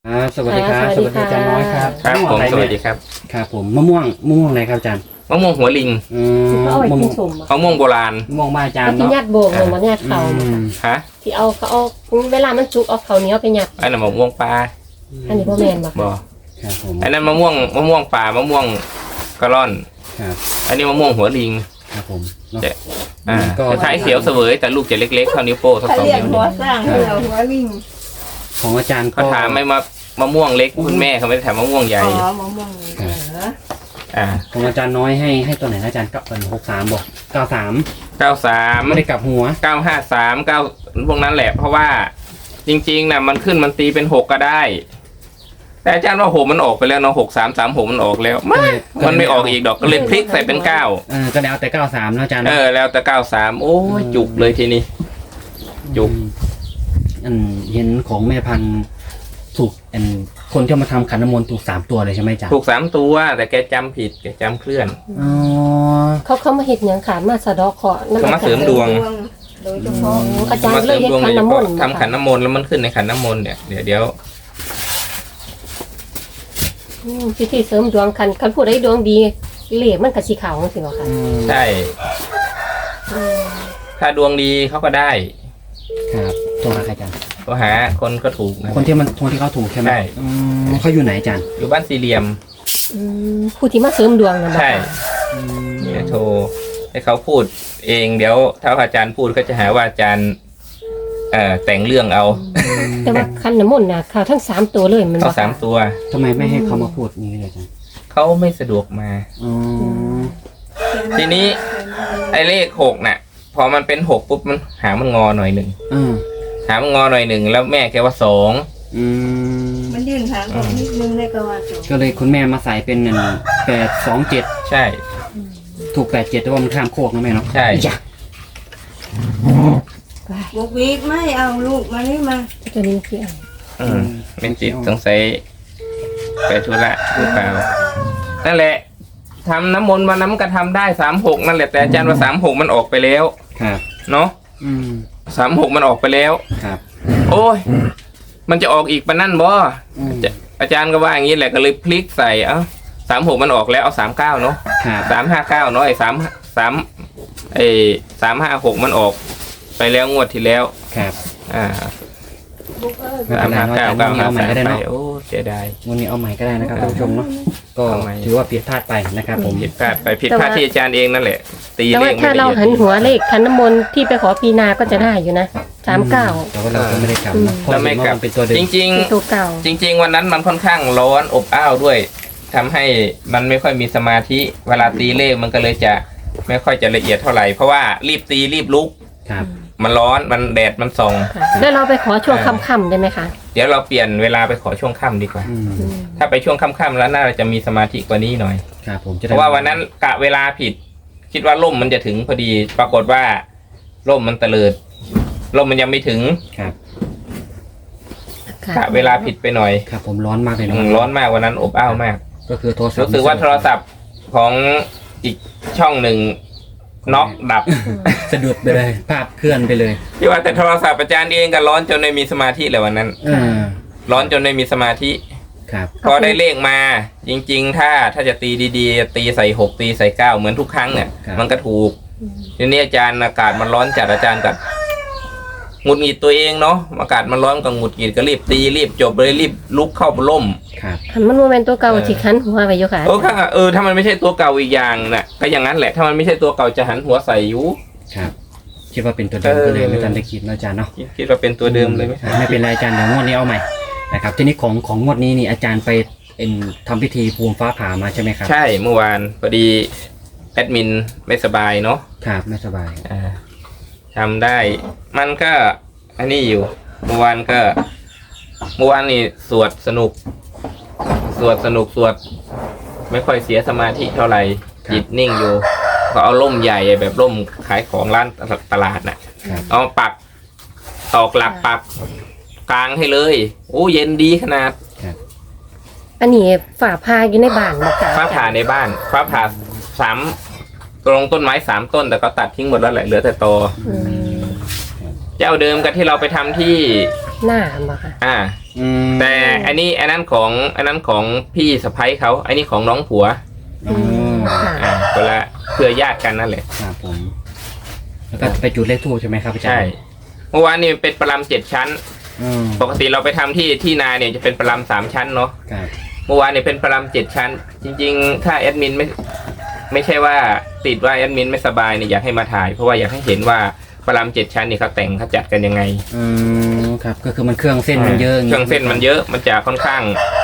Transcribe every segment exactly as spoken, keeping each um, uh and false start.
อ่าสวัสดีครับสวัสดีอาจารย์น้อยครับครับผมสวัสดีครับครับผมมะม่วงมะม่วงอะไรครับอาจารย์มะม่วงหัวลิงอืมที่เขาเอาไปมะม่กิวน งสมมะม่วงโบราณมะม่วงบ้านอาจารเขาย์ที่เนาะยัดโบกเลยมันยัดเขาอืมฮะที่เอาเขาเอาเวลามันจุกเอาเขาเหนี้ยวไปยัดอันนั้นมะม่วงปลาอันนี้พ่อแมนบอกบ่ครับผมอันนั้นมะม่วงมะม่วงป่ามะม่วงกระร่อนครับอันนี้มะม่วงหัวลิงครับผมเนาะจะอ่าก็คล้ายๆเขียวเสวยแต่ลูกจะเล็กๆเท่านิ้วโป้งสักเขาสองเรียกนิ้วหัวเนี่ยสร้างเรียกหัวลิงของอาจารย์ก็เขาถามไม่มามะม่วงเล็กคุณแม่เขาไม่ได้ถามมะม่วงใหญ่อ๋อมะม่วงเหรออ่าของอาจารย์น้อยให้ให้ตัวไหนนะอาจารย์เก้าหกสามบอกเก้าสามเก้าสามไม่ได้กลับหัวเก้าห้าสามเก้าพวกนั้นแหละ เพราะว่าจริงๆนะมันขึ้นมันตีเป็นหกก็ได้ แต่อาจารย์ว่าหกมันออกไปแล้วเนาะหกสามสามหกมันออกแล้วไม่มันไม่ออกอีกดอกก็เลยพลิกใส่เป็นเก้าเออก็แล้วแต่เก้าสามนะอาจารย์เออแล้วแต่เก้าสามโอ้ยจุกเลยทีนี้ จุกอันเห็นของแม่พันธุ์ถูกอันคนที่มาทำขันน้ำมนต์ถูกสามตัวเลยใช่ไหมอาจารย์ถูกสามตัวแต่แกจำผิดแกจำเคลื่อนอ๋อเขาเขามาเห็ดหยังขามาสะเดอกเคราะห์น้ำเขามาเสริมดวงโดยเฉพาะอาจารมาย์เสเลริยมเฮ็ดดวงขัโดนยเฉน้ำมพาะนต์ทำขันน้ำมนต์แล้วมันขึ้นในขันน้ำมนต์เนี่ยเดี๋ยวเดี๋ยวอืมพิธีเสริมดวงคันคันผู้ใดดวงดีเหล่มันกับสีขาวสิบอกค่ะอืมใช่อืมถ้าดวงดีเขาก็ได้ครับตัวอะไรอาจารย์ก็หาคนก็ถูกนะคนที่มันคนที่เขาถูกใช่ไหมใช่อืมเขาอยู่ไหนอาจารย์อยู่บ้านสี่เหลี่ยมอืมผู้ที่มาเสริมดวงนะบอกใช่ค่ะอืมเนี่ยโทรให้เขาพูดเองเดี๋ยวถ้าอาจารย์พูดก็จะหาว่าอาจารย์เอ่อแต่งเรื่องเอาแต่ว่าขันน้ำมนต์นะเขาทั้งสามตัวเลยมันบเขาอกสามค่ะตัวทำไมไม่ให้เขามาพูดอย่างนี้เลยอาจารย์เขาไม่สะดวกมาอ๋อทีนี้ ไอ้เลขหกน่ะ พอมันเป็นหกปุ๊บมันหางมันงอหน่อยหนึ่งอืมหางมันงอหน่อยหนึ่งแล้วแม่แกว่าสองอืมมันยื่นหางออกนิดนึงได้ก็ว่าจบก็เลยคุณแม่มาใส่เป็นหนึ่งแปดสองเจ็ดใช่ถูกแปดเจ็ดแต่ว่ามันข้ามโคกนะแม่เนาะใช่จ้ะบุกวีดไม่เอาลูกมานี่มาตัวนี้คืออะไรอืมเป็นจิตสงสัยไปธุระหรือเปล่านั่นแหละทำน้ำมนต์มาน้ำก็ทำได้สามหกนั่นแหละแต่อาจารย์ว่าสามหกมันออกไปแล้วครับเนาะอืมสามหกมันออกไปแล้วครับโอ้ย มันจะออกอีกปะนั่นบ่อืมจะอาจารย์ก็ว่าอย่างนี้แหละก็เลยพลิกใส่เอ้าสามหกมันออกแล้วเอาสามเก้าเนาะครับสามห้าเก้าเนาะไอ้สามสามไอ้สามห้าหกมันออกไปแล้วงวดที่แล้วครับอ่าบุกเอ้ยไม่สาเป็มนไรห้าเนาะอาเก้าจารย์เก้าวันนี้เอาใหม่ก็ได้เนาะห้าสามไปโอ้เสียดายวันนี้เอาใหม่ก็ได้นะครับท่านผู้ชมเนาะก็เอาใหม่ถือว่าผิดพลาดไปนะครับผมผิดพลาดไปผิดพลาดที่อาจารย์เองนั่นแหละ ตีแต่เลว่าขไม่ถ้าได้เราหันหัวเลขขันน้ำมนต์ที่ไปขอปีนาก็จะได้อยู่นะสามเก้าแต่ว่าเราก็ไม่ได้กลับนะเพราะแล้วไม่เห็นว่ากลับมันเป็นตัวเดิจมริงเป็นตัวเก่าๆ จริง ๆ วันนั้นมันค่อนข้างร้อนอบอ้าวด้วยทำให้มันไม่ค่อยมีสมาธิเวลาตีเลขมันก็เลยจะไม่ค่อยจะละเอียดเท่าไหร่เพราะว่ารีบตีรีบลุกครับมันร้อนมันแดดมันส่องค่ะแล้วเราไปขอช่วงค่ำๆได้ไหมคะเดี๋ยวเราเปลี่ยนเวลาไปขอช่วงค่ำดีกว่าอืมอืมถ้าไปช่วงค่ำๆแล้วน่าจะมีสมาธิกว่านี้หน่อยครับผมจะเพได้ราะว่าวันนั้นกะเวลาผิด คิดว่าล่มมันจะถึงพอดี ปรากฏว่าล่มมันเตลิดล่มมันยังไม่ถึงครับค่ะกะเวลาผิดไปหน่อยครับผมร้อนมากเลยอืเนาะมร้อนมากวันนั้นอบอ้าวมากก็คือโทรศัพท์รู้สึกว่าโทรศัพท์ของอีกช่องหนึ่งน็อกดับสะดุดไปเลยภาพเคลื่อนไปเลยที่ว่าแต่โทรศัพท์อาจารย์เองก็ร้อนจนไม่มีสมาธิเลยวันนั้นเออร้อนจนไม่มีสมาธิครับพอได้เลขมา จริง ๆ ถ้าถ้าจะตีดีๆ ตีใส่หกตีใส่เก้าเหมือนทุกครั้งเนี่ยครับมันก็ถูกทีนี้อาจารย์อากาศมันร้อนจัดอาจารย์กับหงุดหงิดตัวเองเนาะอากาศมันร้อนก็หงุดหงิดก็รีบตีรีบจบเลยรีบลุกเข้าล่มครับหันมันโมเมนต์ตัวเก่าที่ขันหัวไปอยู่ค่ะเออถ้าเออถ้ามันไม่ใช่ตัวเก่าอีกอย่างน่ะก็อย่างนั้นแหละถ้ามันไม่ใช่ตัวเก่าจะหันหัวใส่อยู่ครับคิดว่าเป็นตัวเดิมเออก็เลยไม่ทันได้คิดนะอาจารย์เนาะคิดว่าเป็นตัวเดิมเลยไหมไม่เป็นไรอาจารย์เดี๋ยวงวดนี้เอาใหม่นะครับทีนี้ของของงวดนี้นี่อาจารย์ไปเอ็นทำพิธีภูมิฟ้าผ่ามาใช่ไหมครับใช่เมื่อวานพอดีแอดมินไม่สบายเนาะครับไม่สบายอ่าทำได้ มันก็อันนี้อยู่ เมื่อวานก็เมื่อวานนี่สวดสนุก สวดสนุกสวด ไม่ค่อยเสียสมาธิเท่าไหร่จิตนิ่งอยู่ ก็เอาร่มใหญ่แบบร่มขายของร้านตลาดน่ะครับเอามาปักตอกหลักปักกลางให้เลยโอ้เย็นดีขนาดอันนี้ฝ่าพาอยู่ในบ้านบอกค่ะฟ้าผ่าในบ้านฟ้าผ่าสามตรงต้นไม้สามต้นแต่ก็ตัดทิ้งหมดแล้วแหละเหลือแต่ตออืมเจ้าเดิมกับที่เราไปทำที่หน้าบ่ค่ะอ่าอืมแต่อันนี้อันนั้นของอันนั้นของพี่สะใภ้เขาอันนี้ของน้องผัวอืมค่ะอ่าคนละเพื่อญาติกันนั่นแหละครับผมแล้วก็ไปจุดเลขทูบใช่ไหมครับอาจารย์ใช่เมื่อวานนี้เป็นประลำเจ็ดชั้นอืมปกติเราไปทำที่ที่นาเนี่ยจะเป็นประลำสามชั้นเนาะครับเมื่อวานเนี่ยเป็นประลำเจ็ดชั้น จริงๆ ถ้าแอดมินไม่ไม่ใช่ว่าติดว่าแอดมินไม่สบายเนี่ยอยากให้มาถ่ายเพราะว่าอยากให้เห็นว่าประลำเจ็ดชั้นนี่เขาแต่งเขาจัดกันยังไงอืมครับก็คือมันเครื่องเส้นมันเยอะเครื่องเส้นมันเยอะมันจะค่อนข้าง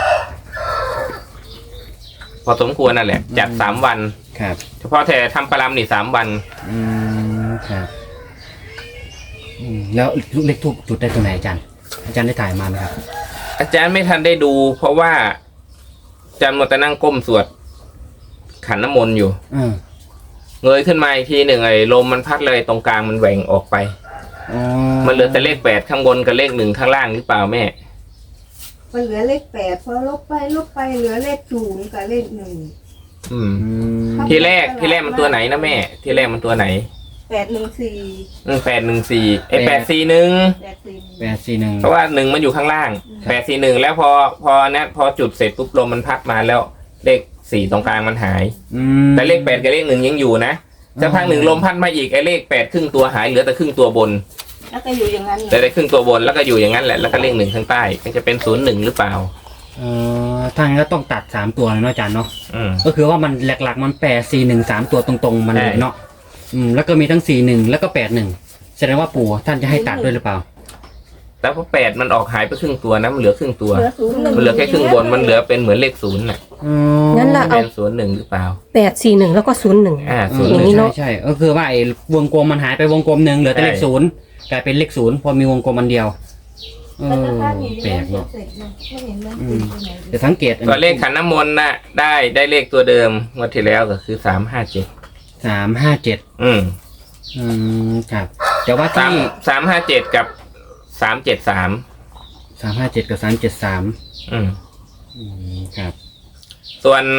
พอสมควรนั่นแหละ จัดสามวันครับเฉพาะแต่ทำประลำนี่สามวันอืมครับอืมแล้วลูกเลขทูบจุดได้ตรงไหนอาจารย์อาจารย์ได้ถ่ายมาไหมครับอาจารย์ไม่ทันได้ดู เพราะว่าอาจารย์มัวแต่นั่งก้มสวดขันน้ำมนต์อยู่อืมเงยขึ้นมาอีกทีหนึ่งไอ้ลมมันพัดเลยตรงกลางมันแหว่งออกไปอ๋อมันเหลือแต่เลขแปดข้างบนกับเลขหนึ่งข้างล่างหรือเปล่าแม่มันเหลือเลขแปดพอลบไปลบไปเหลือเลขศูนย์กับเลขหนึ่งอืมอืมทีแรกที่แรกมันตัวไหนนะแม่ ที่แรกมันตัวไหนแปดหนึ่งสี่แปดหนึ่งสี่ไอ้แปดสี่หนึ่งแปดสี่แปดสี่หนึ่งเพราะว่าหนึ่งมันอยู่ข้างล่างแปดสี่หนึ่งแล้วพอพอเนี้ยพอจุดเสร็จปุ๊บลมมันพัดมาแล้วเลขสี่ตรงกลางมันหายอืมแต่เลขแปดกับเลขหนึ่งยังอยู่นะสักพักหนึ่งลมพัดมาอีกไอ้เลขแปดครึ่งตัวหายเหลือแต่ครึ่งตัวบนแล้วก็อยู่อย่างนั้นเหลือแต่ครึ่งตัวบนแล้วก็อยู่อย่างนั้นแหละแล้วก็เลขหนึ่งข้างใต้ก็จะเป็นศูนย์หนึ่งหรือเปล่าเอ่อทางก็ต้องตัดสามตัวเลยเนาะอาจารย์เนาะอืมก็คือว่ามันหลักๆมันแปดสี่หนึ่งสามตัวตรงๆมันเลยใช่เนาะอืมแล้วก็มีทั้งสี่หนึ่งแล้วก็แปดหนึ่งแสดงว่าปู่ท่านจะให้ตัดด้วยหรือเปล่าแล้วพอแปดมันออกหายไปครึ่งตัวนะมันเหลือครึ่งตัวเหลือศูนย์หนึ่งมันเหลือแค่ครึ่งบนมันเหลือเป็นเหมือนเลขศูนย์น่ะอ๋องั้นละเอาเป็นศูนย์หนึ่งหรือเปล่าแปดสี่หนึ่งแล้วก็ศูนย์หนึ่งอ่าเอศูอนย์หย่านึ่งงนี้เนอะใช่ใช่ก็คือว่าไอ้วงกลมมันหายไปวงกลมหนึ่งเหลือแต่เลขใช่ศูนย์กลายเป็นเลขศูนย์พอมีวงกลมอันเดียวเอมันอจะพลาดอยู่แปลกเนาะเนาะเสร็จเนาะไม่เห็นมันอืติมดตรงไหนแต่สังเกตอันตัวเลขขันน้ำมนต์น่ะได้ได้เลขตัวเดิมงวดที่แล้วก็คือสามห้าเจ็ดสามห้าเจ็ดอืมอืมครับแต่ว่าสามที่สามห้าเจ็ดกับสามเจ็ดสามสามห้าเจ็ดกับสามเจ็ดสามอืมอืมครับส่วน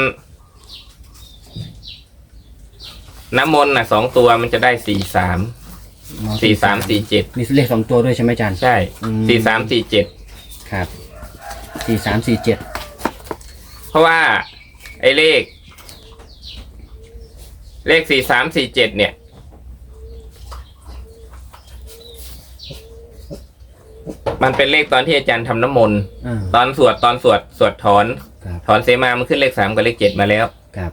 น้ำมนต์น่ะสองตัวมันจะได้สี่สามสี่สามสี่เจ็ดมีเลขสองตัวด้วยใช่ไหมอาจารย์ใช่อืมสี่สามสี่เจ็ดครับสี่สามสี่เจ็ดเพราะว่าไอ้เลข เลขสี่สามสี่เจ็ดเนี่ย มันเป็นเลขตอนที่อาจารย์ทำน้ำมนต์อ่าตอนสวดตอนสวดสวดถอนครับถอนเสมามันขึ้นเลขสามกับเลขเจ็ดมาแล้วครับ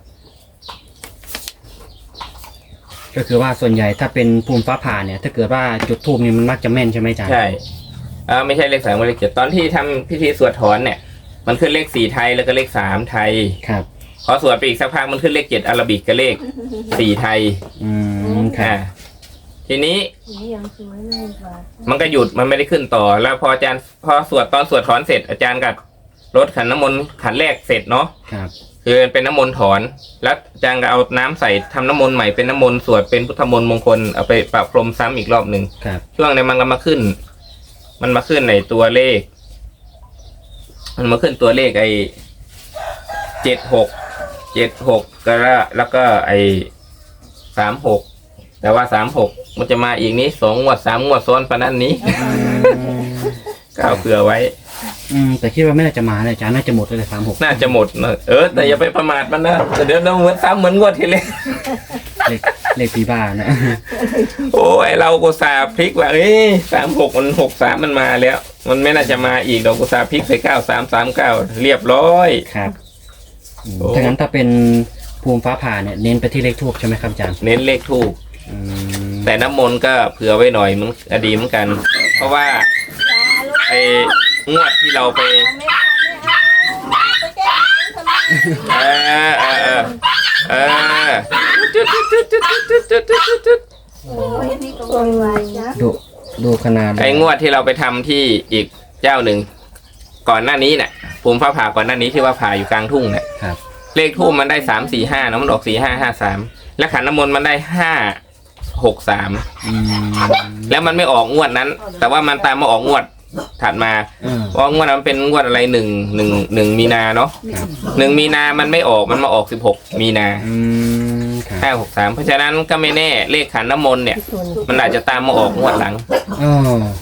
ก็คือว่าส่วนใหญ่ถ้าเป็นภูมิฟ้าผ่าเนี่ย ถ้าเกิดว่าจุดทูบนี่มันมักจะแม่นใช่ไหมอาจารย์ใช่เออไม่ใช่เลขสามกับเลขเจ็ดตอนที่ทำพิธีสวดถอนเนี่ย มันขึ้นเลขสี่ไทยแล้วก็เลขสามไทยครับพอสวดไปอีกสักพักมันขึ้นเลขเจ็ดอาราบิกกับเลขสี่ไทยอืมครัอ่าบทีนี้นี่ยังสวยเลยว่ะมันก็หยุดมันไม่ได้ขึ้นต่อ แล้วพออาจารย์พอสวดตอนสวดถอนเสร็จอาจารย์ก็รดขันน้ำมนต์ขันแรกเสร็จเนาะครับคือเป็นน้ำมนต์ถอน แล้วอาจารย์ก็เอาน้ำใส่ทำน้ำมนต์ใหม่เป็นน้ำมนต์สวดเป็นพุทธมนต์มงคลเอาไปประพรมซ้ำอีกรอบหนึ่งครับช่วงนี้มันก็มาขึ้น มันมาขึ้นในตัวเลข มันมาขึ้นตัวเลขไอ้เจ็ดหกเจ็ดหกก็แล้วแล้วก็ไอ้สามหกแต่ว่าสามหกมันจะมาอีกนี้สองงวดสามงวดซ้อนปะนั้นนี้อืมก็เอาเผื่อไว้อืมแต่คิดว่าไม่น่าจะมาเลยอาจารย์น่าจะหมดเลยสามหกน่าจะหมดเนอะเออแต่อย่าไปประมาทมันนะแต่เดี๋ยวเราเหมือนซ้ำเหมือนงวดที่แล้วเลขเลขปีบ้านะโอ้ยเรากุซาห์พลิกว่าเอ้ยสามหกมันหกสามมันมาแล้ว มันไม่น่าจะมาอีกเรากุซาห์พลิกใส่เก้าสามสามเก้าเรียบร้อยครับอืมโอ้ถ้างั้นถ้าเป็นภูมิฟ้าผ่าเนี่ยเน้นไปที่เลขทูบใช่ไหมครับอาจารย์เน้นเลขทูกอืมแต่น้ำมนต์ก็เผื่อไว้หน่อยมันอดีเหมือนกัน เพราะว่าไอ้งวดที่เราไปไม่เอาไม่เอาไปแก้ทำไมเออเออเออเออจุดจุดจุดจุดจุดจุดจุดจุดจุดโอ้ยนี่ก็วายวายจ้ะดูดูขนาดไอ้งวดที่เราไปทำที่อีกเจ้าหนึ่งก่อนหน้านี้เนี่ยภูมิฟ้าผ่าก่อนหน้านี้ที่ว่าผ่าอยู่กลางทุ่งเนี่ยครับเลขทูบมันได้สามสี่ห้านะมันออกสี่ห้าห้าสามและขันน้ำมนต์มันได้ห้าหกสามอืมแล้วมันไม่ออกงวดนั้น แต่ว่ามันตามมาออกงวดถัดมาเออเพราะงวดนั้นเป็นงวดอะไรหนึ่งหนึ่งหนึ่งมีนาเนาะครับหนึ่งมีนามันไม่ออกมันมาออกสิบหกมีนาอืมครับห้าหกสามเพราะฉะนั้นก็ไม่แน่เลขขันน้ำมนต์เนี่ยส่วนมันอาจจะตามมาออกงวดหลังอ๋อ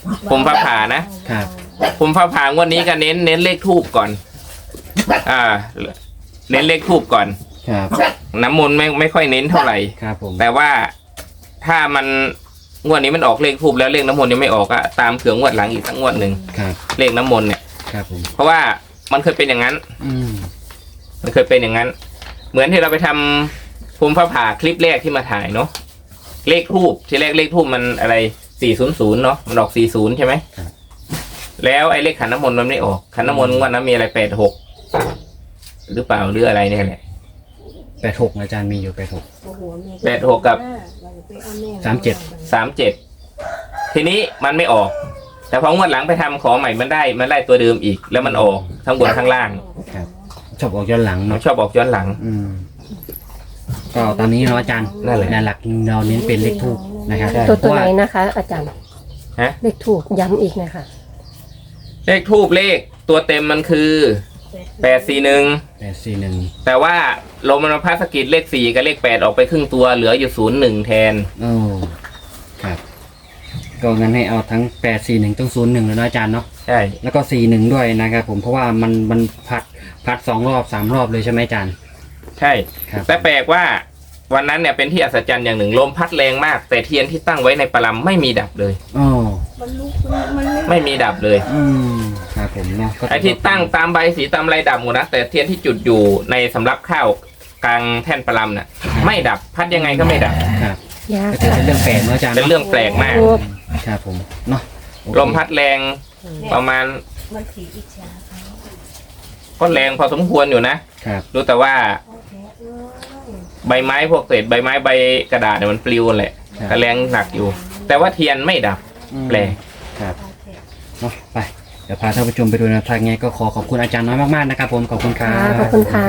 ภูมิฟ้าผ่านะครับ ภูมิฟ้าผ่างวดนี้ก็เน้นเน้นเลขทูบก่อน อ่า เน้นเลขทูบก่อนครับน้ำมนต์ไม่ไม่ค่อยเน้นเท่าไหร่ครับผมแต่ว่าถ้ามันงวดนี้มันออกเลขทูบแล้วเลขน้ำมนต์ยังไม่ออกอะตามเผื่องวดหลังอีกสักงวดหนึ่งครับเลขน้ำมนต์เนี่ยครับผมเพราะว่ามันเคยเป็นอย่างนั้นอืมมันเคยเป็นอย่างนั้น เหมือนที่เราไปทำภูมิฟ้าผ่าคลิปแรกที่มาถ่ายเนาะเลขทูบที่แรกเลขทูบมันอะไรสี่ศูนย์ศูนย์เนาะมันออกสี่ศูนย์ใช่ไหมครับแล้วไอ้เลขขันน้ำมนต์มันไม่ออกขันน้ำมนต์งวันนั้นมีอะไรแปดหกหรือเปล่าหรืออะไรเนี่ยแหละแปดหกอาจารย์มีอยู่แปดหกแปดหกกับสามเจ็ดสามเจ็ดทีนี้มันไม่ออก แต่พองวดหลังไปทำขอใหม่มันได้มันได้ตัวเดิมอีก แล้วมันออกทั้งบนทั้งล่างครับชอบออกย้อนหลังมันเนาะชอบออกย้อนหลังอืมก็ตอนนี้เนาะอาจารย์นั่นแหละในหลักเราเน้นเป็นเลขทูบนะครับตัวตัวไหนเพราะานะคะ อาจารย์ฮะเลขถูกย้ำอีกนะคะเลขทูบเลขตัวเต็มมันคือแปดสี่หนึ่งแปดสี่หนึ่งแต่ว่าลมมันมาพัดสะกิดเลขสี่กับเลขแปดออกไปครึ่งตัวเหลืออยู่ศูนย์หนึ่งแทนโอ้ครับก็งั้นให้เอาทั้งแปดสี่หนึ่งต้องศูนย์หนึ่งเลยนะอาจารย์เนาะใช่แล้วก็สี่หนึ่งด้วยนะครับผมเพราะว่ามันมันพัดพัดสองรอบสามรอบเลยใช่ไหมอาจารย์ใช่ครับแต่แปลกว่าวันนั้นเนี่ยเป็นที่อัศจรรย์อย่างหนึ่งลมพัดแรงมาก แต่เทียนที่ตั้งไว้ในปลัมไม่มีดับเลยโอ้มันลุกมันไม่มีดับเลยอืมครับผมเนาะก็ไอ้ที่ตั้งตามใบสีตามไรดับหมดนะแต่เทียนที่จุดอยู่ในสำรับข้าวกลางแท่นปลัมน่ะไม่ดับพัดยังไงก็ไม่ดับครับยากก็ถือเป็นเรื่องแปลกเนาะอาจารย์เป็นเรื่องแปลกมากโอ้ครับผมเนาะโอเคลมพัดแรงประมาณมันสีอิจฉาก็แรงพอสมควรอยู่นะครับ รู้แต่ว่าใบไม้พวกเศษใบไม้ใบกระดาษเนี่ยมันปลิวแหละครับก็แรงหนักอยู่ แต่ว่าเทียนไม่ดับอืมแปลกครับเนาะไปเดี๋ยวพาท่านผู้ชมไปดูแนวทางไงก็ขอขอบคุณอาจารย์น้อยมากๆนะครับผมขอบคุณครัค่ะบขอบคุณค่ะ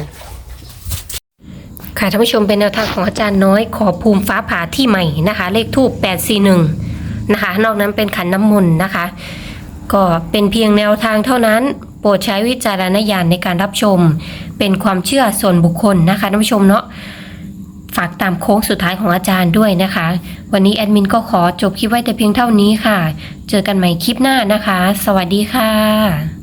ค่ะท่านผู้ชมเป็นแนวทางของอาจารย์น้อยขอภูมิฟ้าผ่าที่ใหม่นะคะ เลขทูปแปดสี่หนึ่งนะคะ นอกนั้นเป็นขันน้ำมนต์นะคะ ก็เป็นเพียงแนวทางเท่านั้น โปรดใช้วิจารณญาณในการรับชม เป็นความเชื่อส่วนบุคคลนะคะท่านผู้ชมเนาะฝากตามโค้งสุดท้ายของอาจารย์ด้วยนะคะ วันนี้แอดมินก็ขอจบคลิปไว้แต่เพียงเท่านี้ค่ะ เจอกันใหม่คลิปหน้านะคะ สวัสดีค่ะ